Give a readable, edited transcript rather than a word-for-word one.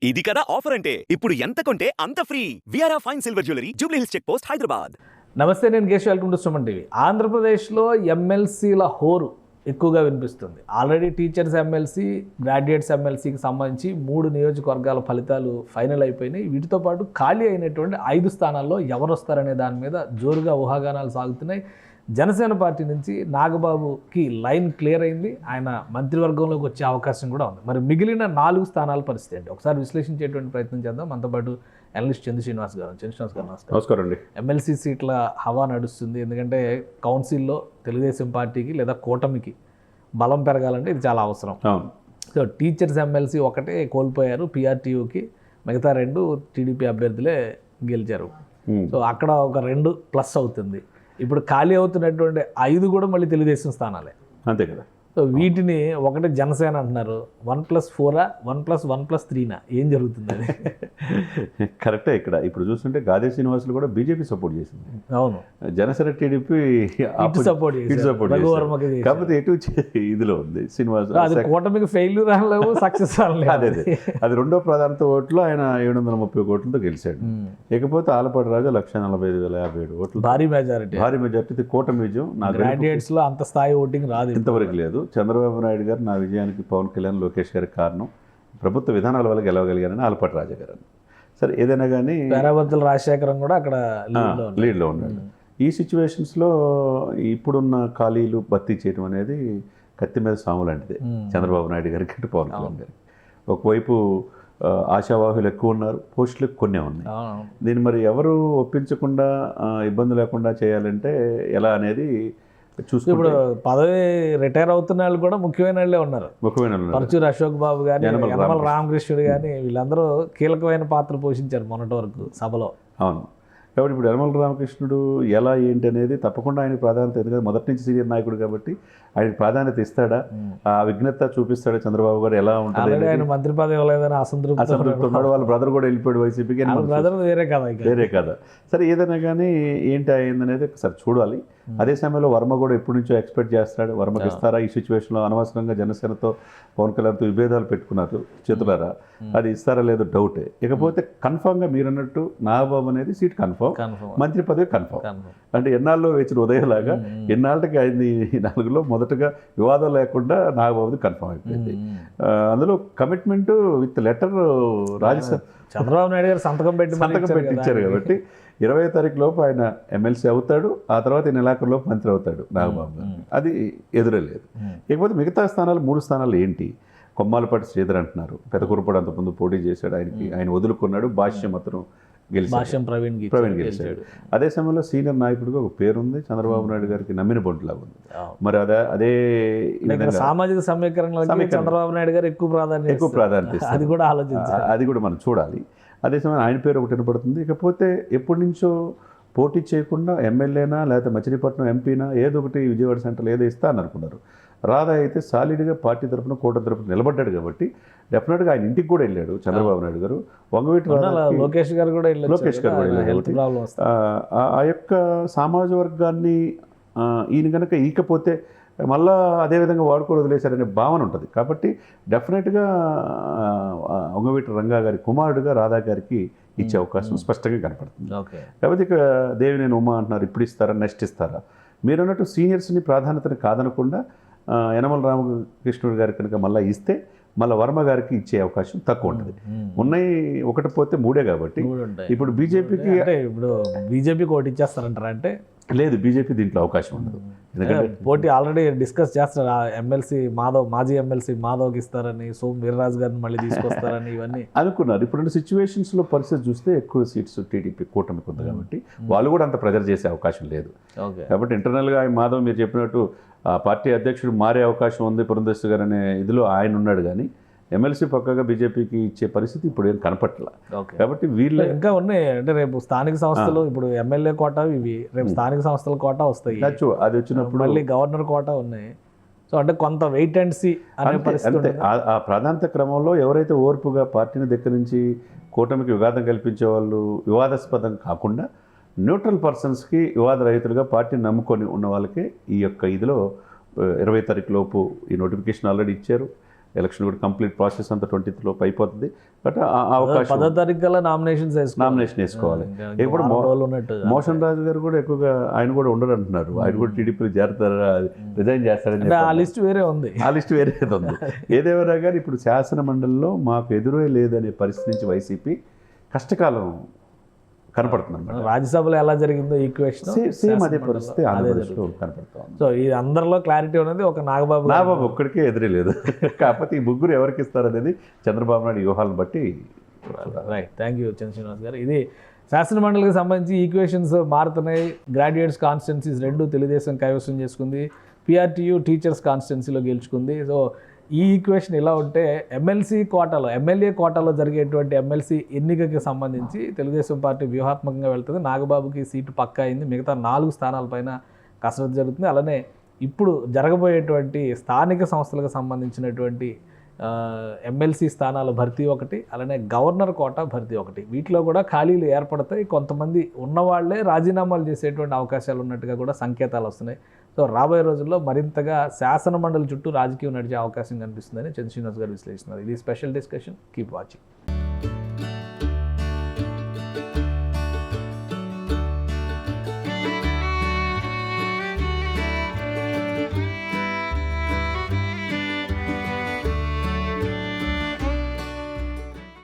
ఇది కదా ఆఫర్ అంటే ఇప్పుడు ఎంత కొంటే అంత ఫ్రీ. విఆర్ఆ fine silver jewellery Jubilee Hills check post Hyderabad. నమస్తే, నేను Keshav. Welcome to Suman TV. ఆంధ్రప్రదేశ్లో ఎమ్మెల్సీల హోరు ఎక్కువగా వినిపిస్తుంది. ఆల్రెడీ టీచర్స్ ఎమ్మెల్సీ, గ్రాడ్యుయేట్స్ ఎమ్మెల్సీకి సంబంధించి 3 నియోజకవర్గాల ఫలితాలు ఫైనల్ అయిపోయినాయి. వీటితో పాటు ఖాళీ అయినటువంటి 5 స్థానాల్లో ఎవరు వస్తారనే దాని మీద జోరుగా ఊహాగానాలు సాగుతున్నాయి. జనసేన పార్టీ నుంచి నాగబాబుకి లైన్ క్లియర్ అయింది. ఆయన మంత్రివర్గంలోకి వచ్చే అవకాశం కూడా ఉంది. మరి మిగిలిన 4 స్థానాల పరిస్థితి ఏంటి ఒకసారి విశ్లేషించేటువంటి ప్రయత్నం చేద్దాం. మనతో పాటు అనలిస్ట్ చంద్ర శ్రీనివాస్ గారు. నమస్కారం అండి. ఎమ్మెల్సీ సీట్ల హవా నడుస్తుంది. ఎందుకంటే కౌన్సిల్లో తెలుగుదేశం పార్టీకి లేదా కూటమికి బలం పెరగాలంటే ఇది చాలా అవసరం. సో టీచర్స్ ఎమ్మెల్సీ ఒకటే కోల్పోయారు పిఆర్టీయూకి, మిగతా 2 టీడీపీ అభ్యర్థులే గెలిచారు. సో అక్కడ ఒక 2 ప్లస్ అవుతుంది. ఇప్పుడు ఖాళీ అవుతున్నటువంటి 5 కూడా మళ్ళీ తెలుగుదేశం స్థానాలే. అంతే కదా. సో వీటిని ఒకటే జనసేన అంటున్నారు. 1+4 1+1+3 ఏం జరుగుతుంది అది? కరెక్టే. ఇప్పుడు చూస్తుంటే గాదే శ్రీనివాసులు కూడా బీజేపీ సపోర్ట్ చేసింది. అవును, జనసేన టీడీపీ సపోర్ట్ కాకపోతే ఎటు ఇదిలో ఉంది శ్రీనివాస్. అది కూటమికి ఫెయిల్యూర్ అనలేవు, సక్సెస్ అనలేవు. అదే అది రెండో ప్రాధాన్యత ఓట్లు ఆయన 730 కోట్లతో గెలిచాడు. ఇకపోతే ఆలపాటి రాజా 1,45,057 ఓట్లు, భారీ మెజారిటీ కూటమి విజయం. నా గ్రాడ్యుయేట్స్ లో అంత స్థాయి ఓటింగ్ రాదు, ఇంతవరకు లేదు. చంద్రబాబు నాయుడు గారు నా విజయానికి పవన్ కళ్యాణ్, లోకేష్ గారికి కారణం ప్రభుత్వ విధానాల వల్ల గెలవగలిగారని ఆలపాటి రాజా గారు. సరే, ఏదైనా కానీ పేరాబత్తుల రాజశేఖరం కూడా అక్కడ లీడ్లో ఉన్నాడు. ఈ సిచ్యువేషన్స్లో ఇప్పుడున్న ఖాళీలు భర్తీ చేయడం అనేది కత్తి మీద సాము లాంటిదే చంద్రబాబు నాయుడు గారికి, అటు పవన్ కళ్యాణ్ గారికి. ఒకవైపు ఆశావాహులు ఎక్కువ ఉన్నారు, పోస్టులు కొన్నే ఉన్నాయి. దీన్ని మరి ఎవరు ఒప్పించకుండా ఇబ్బంది లేకుండా చేయాలంటే ఎలా అనేది చూసి, ఇప్పుడు పదవి రిటైర్ అవుతున్న వాళ్ళు కూడా ముఖ్యమైన వాళ్ళే ఉన్నారు. పరచూరు అశోక్ బాబు కానీ, యనమల రామకృష్ణుడు కానీ, వీళ్ళందరూ కీలకమైన పాత్ర పోషించారు మొన్నటి వరకు సభలో. అవును. కాబట్టి ఇప్పుడు యనమల రామకృష్ణుడు ఎలా ఏంటి అనేది తప్పకుండా ఆయనకు ప్రాధాన్యత, ఎందుకంటే మొదటి నుంచి సీనియర్ నాయకుడు కాబట్టి ఆయనకు ప్రాధాన్యత ఇస్తాడా, ఆ విఘ్నత చూపిస్తాడా చంద్రబాబు గారు, ఎలా ఉంటుంది. ఆయన మంత్రి పదవి ఇవ్వలేదని అసంతృప్తి ఉన్నాడు. వాళ్ళ బ్రదర్ కూడా వెళ్ళిపోయాడు వైసీపీకి, వేరే కదా. సరే, ఏదైనా కానీ ఏంటి అయిందనేది ఒకసారి చూడాలి. అదే సమయంలో వర్మ కూడా ఎప్పటి నుంచో ఎక్స్పెక్ట్ చేస్తాడు. వర్మకి ఇస్తారా ఈ సిచ్యువేషన్లో? అనవసరంగా జనసేనతో పవన్ కళ్యాణ్తో విభేదాలు పెట్టుకున్నారు చేతులారా, అది ఇస్తారా లేదో డౌటే. ఇకపోతే కన్ఫామ్గా మీరు అన్నట్టు నాగబాబు అనేది సీట్ కన్ఫామ్, మంత్రి పదవి కన్ఫామ్. అంటే ఎన్నాళ్ళలో వేచిన ఉదయంలాగా ఎన్నాళ్ళకి అయింది. 4లో మొదటగా వివాదం లేకుండా నాగబాబుది కన్ఫామ్ అయిపోయింది. అందులో commitment with letter Rajya Sabha Chandrababu Naidu గారు సంతకం పెట్టించారు కాబట్టి 20వ తారీఖు లోపు ఆయన ఎమ్మెల్సీ అవుతాడు. ఆ తర్వాత ఈ నెలాఖరులోపు మంత్రి అవుతాడు నాగబాబు గారు. అది ఎదురలేదు. ఇకపోతే మిగతా స్థానాలు 3 స్థానాలు ఏంటి? కొమ్మాలపాటి శ్రీధర్ అంటున్నారు, పెదకూరుపాడు అంతకుముందు పోటీ చేశాడు, ఆయన వదులుకున్నాడు. భాష్యం అతను ప్రవీణ్ గెలిచాడు. అదే సమయంలో సీనియర్ నాయకుడిగా ఒక పేరుంది, చంద్రబాబు నాయుడు గారికి నమ్మిన బొంటులాగా ఉంది. మరి అదే సామాజిక సమీకరణ చంద్రబాబు నాయుడు గారు ఎక్కువ ప్రాధాన్యత అది కూడా మనం చూడాలి. అదే సమయం ఆయన పేరు ఒకటి వినపడుతుంది. ఇకపోతే ఎప్పటి నుంచో పోటీ చేయకుండా ఎమ్మెల్యేనా లేకపోతే మచిలీపట్నం ఎంపీనా ఏదో ఒకటి విజయవాడ సెంటర్లో ఏదో ఇస్తా అని అనుకున్నారు. రాధా అయితే సాలిడ్గా పార్టీ తరఫున కూటమి తరఫున నిలబడ్డాడు కాబట్టి డెఫినెట్గా ఆయన ఇంటికి కూడా వెళ్ళాడు చంద్రబాబు నాయుడు గారు. వంగవీటి లోకేష్ గారు కూడా వెళ్ళాడు. ఆ యొక్క సామాజ వర్గాన్ని ఈయన కనుక ఈకపోతే మళ్ళా అదేవిధంగా వాడుకోవడం వదిలేశారనే భావన ఉంటుంది. కాబట్టి డెఫినెట్గా వంగవీటి రంగా గారి కుమారుడుగా రాధా గారికి ఇచ్చే అవకాశం స్పష్టంగా కనపడుతుంది. కాబట్టి ఇక దేవినేని ఉమా అంటున్నారు, ఇప్పుడు ఇస్తారా, నెక్స్ట్ ఇస్తారా? మీరు అన్నట్టు సీనియర్స్ని ప్రాధాన్యతను కాదనకుండా యనమల రామకృష్ణుడు గారికి కనుక మళ్ళీ ఇస్తే మళ్ళీ వర్మ గారికి ఇచ్చే అవకాశం తక్కువ ఉంటుంది. ఉన్నాయి ఒకటి పోతే 3 కాబట్టి ఇప్పుడు బీజేపీకి ఓటు ఇచ్చేస్తారంటారా? అంటే లేదు, బీజేపీ దీంట్లో అవకాశం ఉండదు. ఎందుకంటే పోటీ ఆల్రెడీ డిస్కస్ చేస్తారు. ఎమ్మెల్సీ మాధవ్, మాజీ ఎమ్మెల్సీ మాధవ్కి ఇస్తారని, సోమ్ వీర్రాజు గారిని మళ్ళీ తీసుకొస్తారని ఇవన్నీ అనుకున్నారు. ఇప్పుడు సిచ్యువేషన్స్లో పరిస్థితి చూస్తే ఎక్కువ సీట్స్ టీడీపీ కూటమికి ఉంది కాబట్టి వాళ్ళు కూడా అంత ప్రెజర్ చేసే అవకాశం లేదు. కాబట్టి ఇంటర్నల్గా మాధవ్ మీరు చెప్పినట్టు పార్టీ అధ్యక్షుడు మారే అవకాశం ఉంది పురంధేశ్వరి గారు అనే ఇదిలో ఆయన ఉన్నాడు. కానీ ఎమ్మెల్సీ పక్కగా బీజేపీకి ఇచ్చే పరిస్థితి ఇప్పుడు ఏం కనపట్ల. కాబట్టి వీళ్ళు ఇంకా ఉన్నాయి. అంటే రేపు స్థానిక సంస్థలు, ఇప్పుడు ఎమ్మెల్యే కోటా ఇవి, రేపు స్థానిక సంస్థల కోటా వస్తాయి. అది వచ్చినప్పుడు మళ్ళీ గవర్నర్ కోటా ఉన్నాయి. సో అంటే కొంత వెయిట్ అండ్ సీ అనే పరిస్థితి. ఆ ప్రాధాన్యత క్రమంలో ఎవరైతే ఓర్పుగా పార్టీని దగ్గర నుంచి కూటమికి వివాదం కల్పించే వాళ్ళు, వివాదాస్పదం కాకుండా న్యూట్రల్ పర్సన్స్కి, వివాద రహితులుగా పార్టీని నమ్ముకొని ఉన్న వాళ్ళకి ఈ యొక్క ఇదిలో 20వ తారీఖు లోపు ఈ నోటిఫికేషన్ ఆల్రెడీ ఇచ్చారు. ఎలక్షన్ కూడా కంప్లీట్ ప్రాసెస్ అంతా 20th లోపు అయిపోతుంది. బట్ ఆ అవకాశం 10వ తారీఖు కల్లా నామినేషన్స్ నామినేషన్ వేసుకోవాలి. ఇప్పుడు ఉన్నట్టు మోషన్ రాజు గారు కూడా ఎక్కువగా ఆయన కూడా ఉండరు అంటున్నారు. ఆయన కూడా టీడీపీ చేరతారా, రిజైన్ చేస్తారని ఆ లిస్ట్ వేరే ఉంది. ఆ లిస్ట్ వేరే ఉంది. ఏదేమైనా కానీ ఇప్పుడు శాసన మండలిలో మాకు ఎదురే లేదనే పరిస్థితి నుంచి వైసీపీ కష్టకాలం కనపడుతుంది అన్నమాట. రాజ్యసభలో ఎలా జరిగిందో ఈక్వేషన్ సేమ్ అదే పరిస్థితి ఆంధ్రప్రదేశ్లో కనపడుతుంది. సో ఈ అందరిలో క్లారిటీ ఉన్నది ఒక నాగబాబు ఒక్కడికే ఎదురే లేదు. కాకపోతే ఈ ముగ్గురు ఎవరికి ఇస్తారనేది చంద్రబాబు నాయుడు వ్యూహాలను బట్టి. Right, thank you Chandra Srinivas garu. ఇది శాసన మండలికి సంబంధించి ఈక్వేషన్స్ మారుతున్నాయి. గ్రాడ్యుయేట్స్ కాన్స్టిట్యున్సీస్ 2 తెలుగుదేశం కైవసం చేసుకుంది, పిఆర్టీయూ టీచర్స్ కాన్స్టిట్యున్సీలో గెలుచుకుంది. సో ఈ ఈక్వేషన్ ఇలా ఉంటే ఎమ్మెల్యే కోటాలో జరిగేటువంటి ఎమ్మెల్సీ ఎన్నికకి సంబంధించి తెలుగుదేశం పార్టీ వ్యూహాత్మకంగా వెళ్తుంది. నాగబాబుకి సీటు పక్కా అయింది. మిగతా 4 స్థానాలపైన కసరత్తు జరుగుతుంది. అలానే ఇప్పుడు జరగబోయేటువంటి స్థానిక సంస్థలకు సంబంధించినటువంటి ఎమ్మెల్సీ స్థానాల భర్తీ ఒకటి, అలానే గవర్నర్ కోటా భర్తీ ఒకటి. వీటిలో కూడా ఖాళీలు ఏర్పడతాయి. కొంతమంది ఉన్నవాళ్లే రాజీనామాలు చేసేటువంటి అవకాశాలు ఉన్నట్టుగా కూడా సంకేతాలు వస్తున్నాయి. సో రాబోయే రోజుల్లో మరింతగా శాసన మండలి చుట్టూ రాజకీయం నడిచే అవకాశం కనిపిస్తుందని చంద్ర శ్రీనివాస్ గారు విశ్లేషిస్తున్నారు. ఇది స్పెషల్ డిస్కషన్. Keep watching.